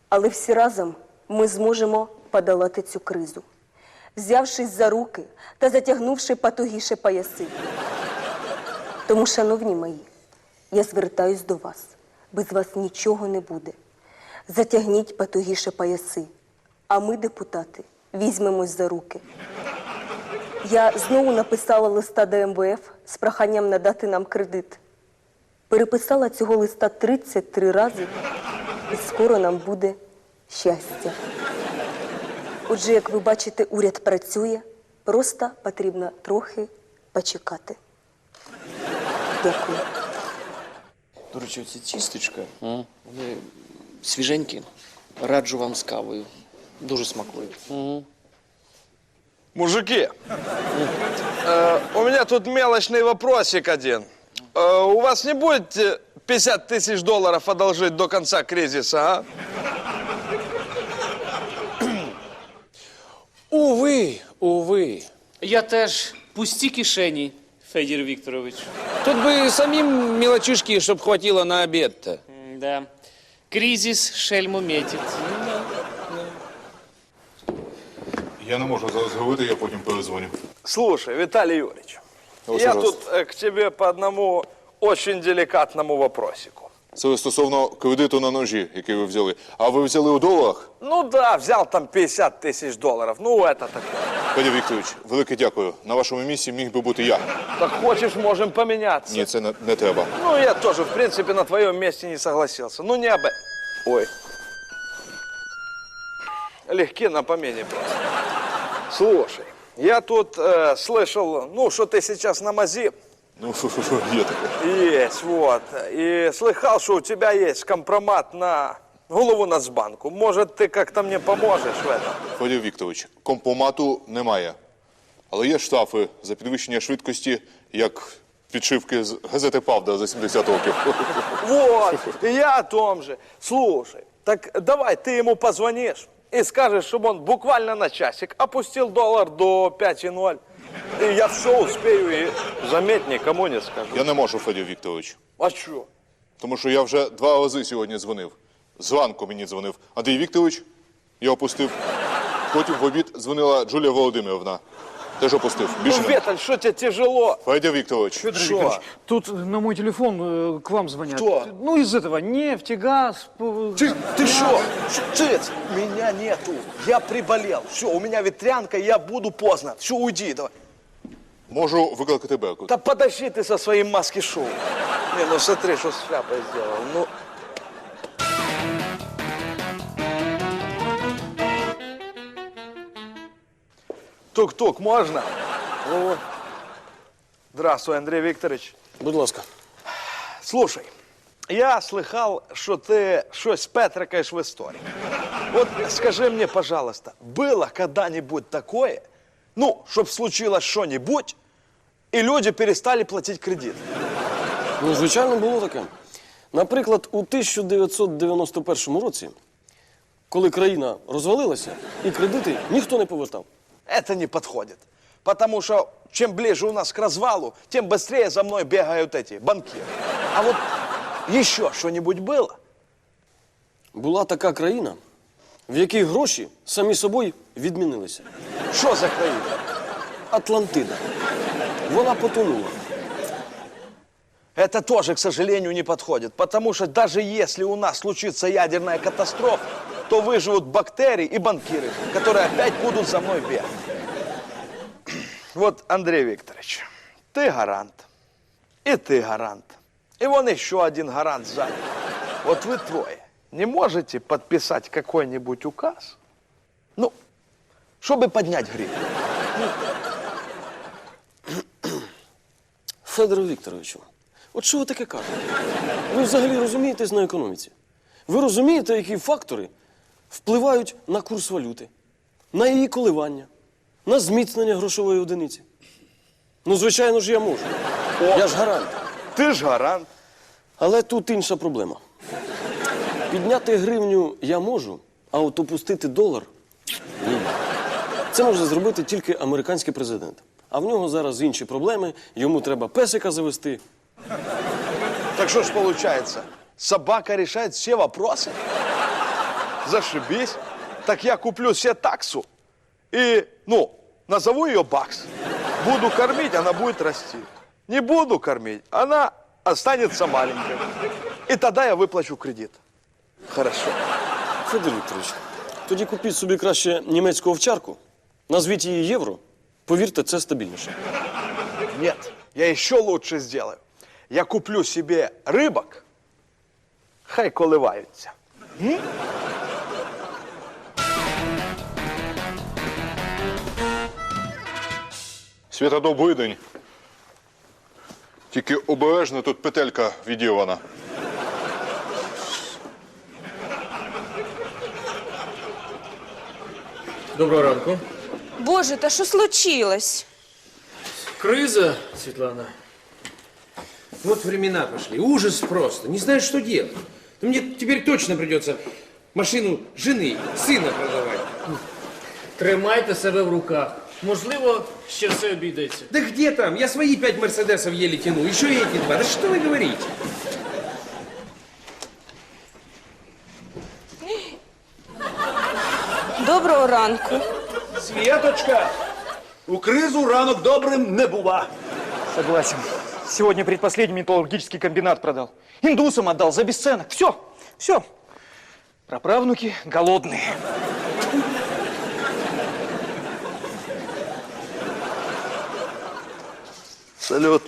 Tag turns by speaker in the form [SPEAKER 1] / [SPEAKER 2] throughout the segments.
[SPEAKER 1] Але всі разом ми зможемо подолати цю кризу, взявшись за руки та затягнувши потугіше пояси. Тому, шановні мої, я звертаюсь до вас. Без вас нічого не буде. Затягніть потугіше пояси, а ми, депутати, візьмемось за руки. Я знову написала листа до МВФ з проханням надати нам кредит. Переписала цього листа 33 рази, і скоро нам буде щастя. Отже, як ви бачите, уряд працює, просто потрібно трохи почекати. Дякую.
[SPEAKER 2] До речі, оці тістечка, вони свіженькі. Раджу вам з кавою. Дуже смакують.
[SPEAKER 3] Мужики, у меня тут мелочный вопросик один. У вас не будет 50 тысяч долларов одолжить до конца кризиса, а?
[SPEAKER 4] Уви.
[SPEAKER 5] Я теж пусті кишені, Федір Вікторович.
[SPEAKER 4] Тут би самим мелочишки, щоб хватило на обід-то.
[SPEAKER 5] Да. Кризис шельму метить.
[SPEAKER 6] Я не можу зараз говорити, я потім перезвоню.
[SPEAKER 3] Слушай, Виталий Юрьевич,
[SPEAKER 6] Ось,
[SPEAKER 3] я
[SPEAKER 6] пожалуйста.
[SPEAKER 3] тут к тебе по одному очень деликатному вопросику.
[SPEAKER 6] Це стосовно кредиту на ножі, який ви взяли. А ви взяли у доларах?
[SPEAKER 3] Ну да, взял там 50 тысяч долларов, ну это такое.
[SPEAKER 6] Федір Вікторович, велике дякую. На вашому місці міг би бути я.
[SPEAKER 3] Так хочешь, можем поменяться.
[SPEAKER 6] Ні, це не треба.
[SPEAKER 3] Ну, я тоже, в принципе, на твоем месте не согласился. Ну, не об... Ой. Легки на помине просто. Слушай, я тут слышал, ну, что ты сейчас на мази.
[SPEAKER 6] Ну, є таке.
[SPEAKER 3] Есть, вот. И слыхал, что у тебя есть компромат на голову Нацбанку. Может, ты как-то мне поможешь в этом?
[SPEAKER 6] Федір Вікторович, компомату немає. Але є штрафи за підвищення швидкості, як підшивки з газети «Правда» за 70 років.
[SPEAKER 3] Вот, и я о том же. Слушай, так давай ты ему позвонишь и скажешь, чтобы он буквально на часик опустил доллар до 5,0. И я все успею и, заметь, никому не скажу.
[SPEAKER 6] Я не можу, Федір Вікторович.
[SPEAKER 3] А что?
[SPEAKER 6] Тому що я вже 2 рази сьогодні дзвонив. Зранку мені дзвонив Андрій Вікторович, я опустив. Потім в обід дзвонила Джулія Володимирівна. Теж опустив.
[SPEAKER 3] Ну,
[SPEAKER 6] Більше не.
[SPEAKER 3] Виталь, что тебе тяжело?
[SPEAKER 6] Федір Вікторович.
[SPEAKER 3] Что?
[SPEAKER 7] Тут на мой телефон к вам звонят.
[SPEAKER 3] Кто?
[SPEAKER 7] Ну, из этого, нефть, газ.
[SPEAKER 3] Ты что? Цыц, меня нету. Я приболел. Все, у меня ветрянка, я буду поздно. Все, уйди, давай.
[SPEAKER 6] Можу викликати Беркут.
[SPEAKER 3] Да подожди ты со своим маски-шоу. Не, ну смотри, что с шляпой сделал. Ну... Тук-тук, можно? О. Здравствуй, Андрей Викторович.
[SPEAKER 2] Будь ласка.
[SPEAKER 3] Слушай, я слыхал, что ты что-то петрикаешь в истории. Вот скажи мне, пожалуйста, было когда-нибудь такое, ну, чтоб случилось что-нибудь, и люди перестали платить кредит?
[SPEAKER 2] Ну, звичайно, було таке. Наприклад, у 1991 році, коли країна розвалилася, і кредити ніхто не повертав.
[SPEAKER 3] Это не подходит. Потому что чем ближе у нас к развалу, тем быстрее за мной бегают эти банкиры. А вот еще что-нибудь было?
[SPEAKER 2] Була така країна, в якій гроші самі собою відмінилися.
[SPEAKER 3] Что за країна?
[SPEAKER 2] Атлантида. Вона потонула.
[SPEAKER 3] Это тоже, к сожалению, не подходит. Потому что даже если у нас случится ядерная катастрофа, то выживут бактерии и банкиры, которые опять будут за мной бегать. Вот, Андрей Викторович, ты гарант, и ты гарант, и вон еще один гарант сзади. Вот вы трое не можете подписать какой-нибудь указ, ну, чтобы поднять гривну?
[SPEAKER 2] Федоре Вікторовичу, от що ви таке кажете? Ви взагалі розумієтесь на економіці? Ви розумієте, які фактори впливають на курс валюти, на її коливання, на зміцнення грошової одиниці? Ну, звичайно ж, я можу. Я ж гарант.
[SPEAKER 3] Ты ж гарант.
[SPEAKER 2] Але тут інша проблема. Підняти гривню я можу, а от опустити долар – ні. Це може зробити тільки американський президент. А в нього зараз інші проблеми, йому треба песика завести.
[SPEAKER 3] Так что ж получается, собака решает все вопросы? Зашибись. Так я куплю себе таксу и, ну, назову ее Бакс. Буду кормить, она будет расти. Не буду кормить, она останется маленькой. И тогда я выплачу кредит. Хорошо.
[SPEAKER 2] Федір Вікторович, тоді купіть собі краще німецьку овчарку, назвіть її Євро. Повірте, це стабільніше.
[SPEAKER 3] Нет, я еще лучше сделаю. Я куплю себе рыбок, хай коливаються.
[SPEAKER 6] Свята, добрий день. Тільки обережно, тут петелька відірвана.
[SPEAKER 8] Доброго ранку.
[SPEAKER 9] Боже, та що случилось?
[SPEAKER 8] Крыза, Светлана. Вот времена пошли. Ужас просто. Не знаешь, что делать. Ну, мне теперь точно придется машину жены, сына продавать.
[SPEAKER 5] Тримайте себе в руках. Можливо, ще все обійдеться.
[SPEAKER 8] Да где там? Я свои 5 мерседесов еле тяну. Еще и эти 2. Да что вы говорите?
[SPEAKER 9] Доброго ранку.
[SPEAKER 10] Светочка, у кризу ранок добрым не бува.
[SPEAKER 7] Согласен. Сегодня предпоследний металлургический комбинат продал. Индусам отдал за бесценок. Все, все. Праправнуки голодные.
[SPEAKER 3] Салют.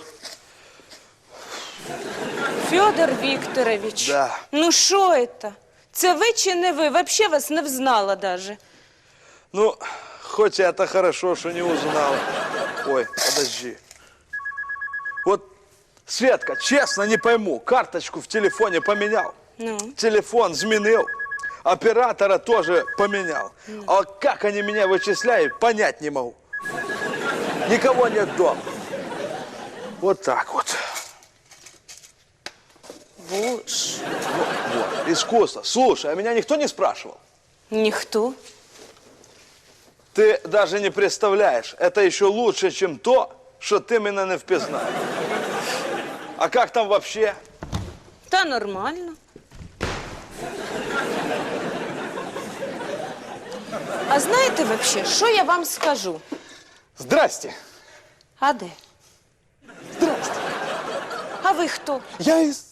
[SPEAKER 9] Федор Вікторович.
[SPEAKER 3] Да.
[SPEAKER 9] Ну що це? Це ви чи не ви? Вообще вас не взнала даже.
[SPEAKER 3] Ну, хоть это хорошо, что не узнала. Ой, подожди. Вот, Светка, честно не пойму, карточку в телефоне поменял.
[SPEAKER 9] Ну?
[SPEAKER 3] Телефон зменил, оператора тоже поменял. А как они меня вычисляют, понять не могу. Никого нет дома. Вот так вот.
[SPEAKER 9] Боже.
[SPEAKER 3] Вот, искусство. Слушай, а меня никто не спрашивал?
[SPEAKER 9] Ніхто.
[SPEAKER 3] Ты даже не представляешь, это еще лучше, чем то, что ты меня не впізнаєш. А как там вообще?
[SPEAKER 9] Та нормально. А знаєте вообще, що я вам скажу?
[SPEAKER 10] Здрасте.
[SPEAKER 9] А де?
[SPEAKER 10] Здрасте.
[SPEAKER 9] А ви хто?
[SPEAKER 10] Я из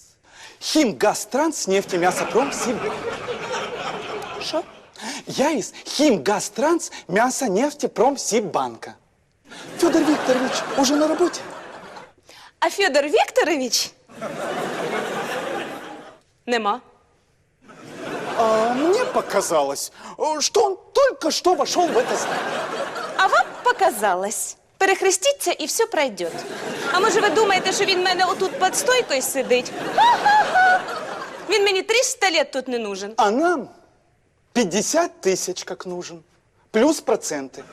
[SPEAKER 10] Химгазтранснефтемясопромсиб.
[SPEAKER 9] Що?
[SPEAKER 10] Я из Химгазтранс мясонефтепромсиббанка. Федор Викторович уже на работе?
[SPEAKER 9] А Федор Вікторович? Нема.
[SPEAKER 10] А мне показалось, что он только что вошел в это здание.
[SPEAKER 9] А вам показалось. Перехрестіться і все пройде. А може ви думаєте, що він в мене отут під стойкою сидить? Ха-ха-ха! Він мені 300 лет тут не нужен.
[SPEAKER 10] А нам 50 тысяч как нужен. Плюс проценты.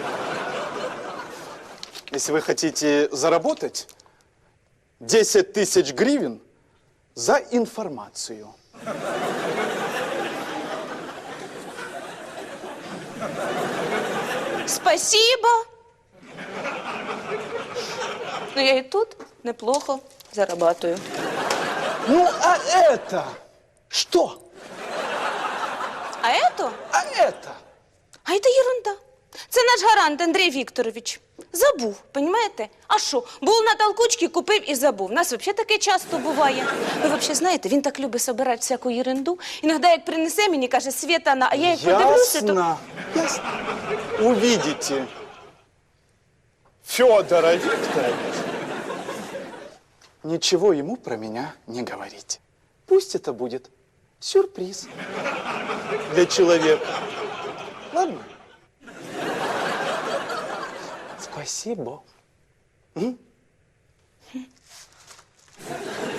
[SPEAKER 10] Если вы хотите заработать 10 тысяч гривен за информацию.
[SPEAKER 9] Спасибо. Ну, я і тут неплохо зарабатую.
[SPEAKER 10] Ну, а это что?
[SPEAKER 9] А это?
[SPEAKER 10] А это?
[SPEAKER 9] А це ерунда. Це наш гарант Андрій Вікторович. Забув, понімаєте? А що? Був на толкучці, купив і забув. У нас взагалі таке часто буває. Ви взагалі знаєте, він так любить собирати всяку ерунду. Іноді, як принесе мені, каже, Світа, а я як подивлюся, то...
[SPEAKER 10] Ясно. Ясно. Увидите Федора Викторовича. Ничего ему про меня не говорите. Пусть это будет сюрприз для человека. Ладно? Спасибо.